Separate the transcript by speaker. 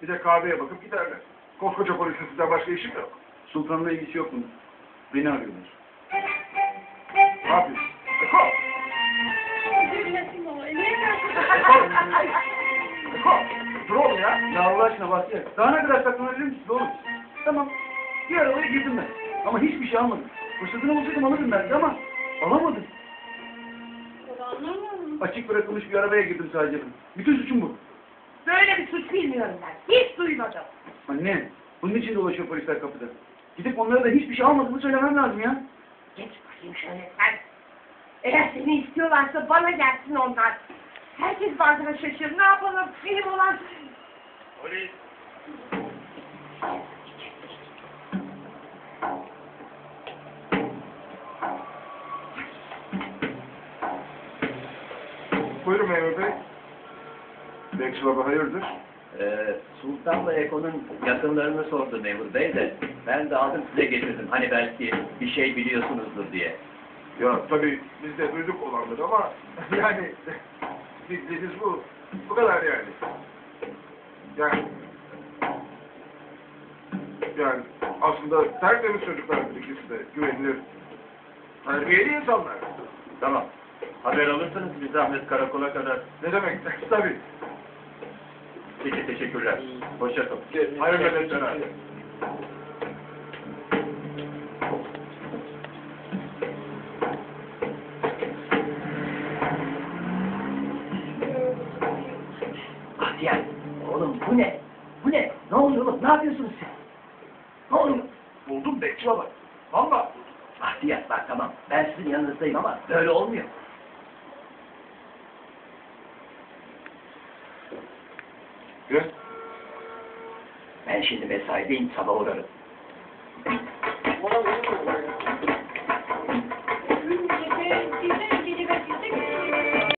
Speaker 1: Bir de kahveye bakıp giderler. Koskoca polisin sizden başka işim yok.
Speaker 2: Sultan'la ilgisi yok bunun. Beni arıyorlar.
Speaker 1: Ne yapıyorsun? Eko! Eko! Dur oğlum ya.
Speaker 2: Ya Allah aşkına Bahtiyar. Daha ne kadar saklanabilir misiniz oğlum? Tamam. Bir arabaya girdim ben. Ama hiçbir şey almadım. Fırsatını bulsaydım alırdım belki ama alamadım. Açık bırakılmış bir arabaya girdim sadece ben. Bütün suçum bu.
Speaker 3: Böyle bir suç bilmiyorum ben. Hiç duymadım.
Speaker 2: Anne, bunun için dolaşıyor polisler kapıda. Gidip onlara da hiçbir şey almadığımı söylemem lazım ya.
Speaker 3: Geç bakayım şöyle sen. Eğer seni istiyorlarsa bana gelsin onlar. Herkes bazen şaşırır. Ne yapalım? Benim olan...
Speaker 1: Polis! Buyurun memur bey. Bekçi baba hayırdır?
Speaker 4: Sultan'la Eko'nun yakınlarını sordu memur bey de ben de aldım size getirdim. Hani belki bir şey biliyorsunuzdur diye.
Speaker 1: Ya tabii biz de duyduk olanları ama yani bildiğiniz bu. Bu kadar yani. Yani aslında tertemiz çocuklardır ikisi de. Güvenilir. Terbiyeli insanlar.
Speaker 4: Tamam. Haber alırsanız bir zahmet karakola kadar.
Speaker 1: Ne demek? Tabii.
Speaker 4: Peki teşekkürler. Hoşça kalın.
Speaker 1: Hayırlı nöbetler.
Speaker 4: Bahtiyar, oğlum bu ne? Bu ne? Ne oluyor oğlum? Ne yapıyorsunuz sen? Ne oluyor?
Speaker 1: Buldum bekçi baba. Valla.
Speaker 4: Bahtiyar bak tamam. Ben sizin yanınızdayım ama böyle olmuyor.
Speaker 1: Gel.
Speaker 4: Ben şimdi mesaideyim, sabah uğrarım.